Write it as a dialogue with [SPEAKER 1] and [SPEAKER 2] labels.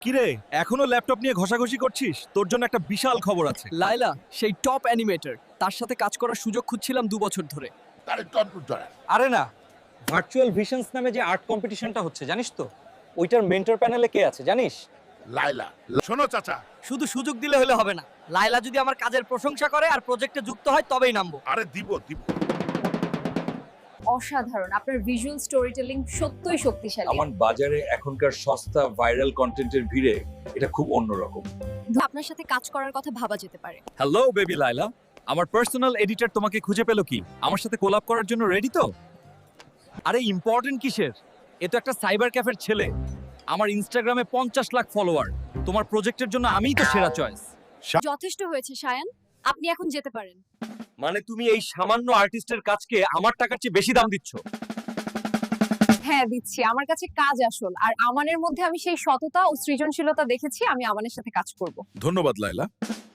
[SPEAKER 1] কিরে এখনো ল্যাপটপ নিয়ে ঘষাঘষি করছিস? তোর জন্য একটা বিশাল খবর আছে।
[SPEAKER 2] লায়লা সেই টপ অ্যানিমেটর, তার সাথে কাজ করার সুযোগ খুঁজছিলাম 2 বছর ধরে।
[SPEAKER 3] আরে না, ভার্চুয়াল ভিশনস নামে যে আর্ট কম্পিটিশনটা হচ্ছে জানিস তো, ওইটার মেন্টর প্যানেলে কে আছে জানিস?
[SPEAKER 4] লাইলা, শোনো চাচা,
[SPEAKER 2] শুধু সুযোগ দিলে হলে হবে না, লায়লা যদি আমার কাজের প্রশংসা করে আর প্রজেক্টে যুক্ত হয় তবেই নামবো।
[SPEAKER 4] আরে দিব।
[SPEAKER 5] অসাধারণ, আপনার ভিজুয়াল স্টোরি টেলিং সত্যই শক্তিশালী।
[SPEAKER 6] আমার বাজারে এখনকার সস্তা ভাইরাল কন্টেন্টের ভিড়ে এটা খুব অন্যরকম।
[SPEAKER 5] আপনার সাথে কাজ করার কথা ভাবা যেতে পারে।
[SPEAKER 1] হ্যালো বেবি লাইলা, আমার পার্সোনাল এডিটর তোমাকে খুঁজে পেলো কি? আমার সাথে কোলাব করার জন্য রেডি তো? আরে ইম্পর্টেন্ট কিসের? এ তো একটা সাইবার ক্যাফের ছেলে। আমার ইনস্টাগ্রামে 50 লাখ ফলোয়ার। তোমার প্রজেক্টের জন্য আমিই তো সেরা চয়েস।
[SPEAKER 5] যথেষ্ট হয়েছে সায়ান, আপনি এখন যেতে পারেন।
[SPEAKER 1] মানে তুমি এই সামান্য আর্টিস্টের কাজকে আমার টাকার চেয়ে বেশি দাম দিচ্ছ?
[SPEAKER 5] হ্যাঁ দিচ্ছি, আমার কাছে কাজ আসল, আর আমানের মধ্যে আমি সেই সততা ও সৃজনশীলতা দেখেছি। আমি আমানের সাথে কাজ করব।
[SPEAKER 4] ধন্যবাদ লাইলা।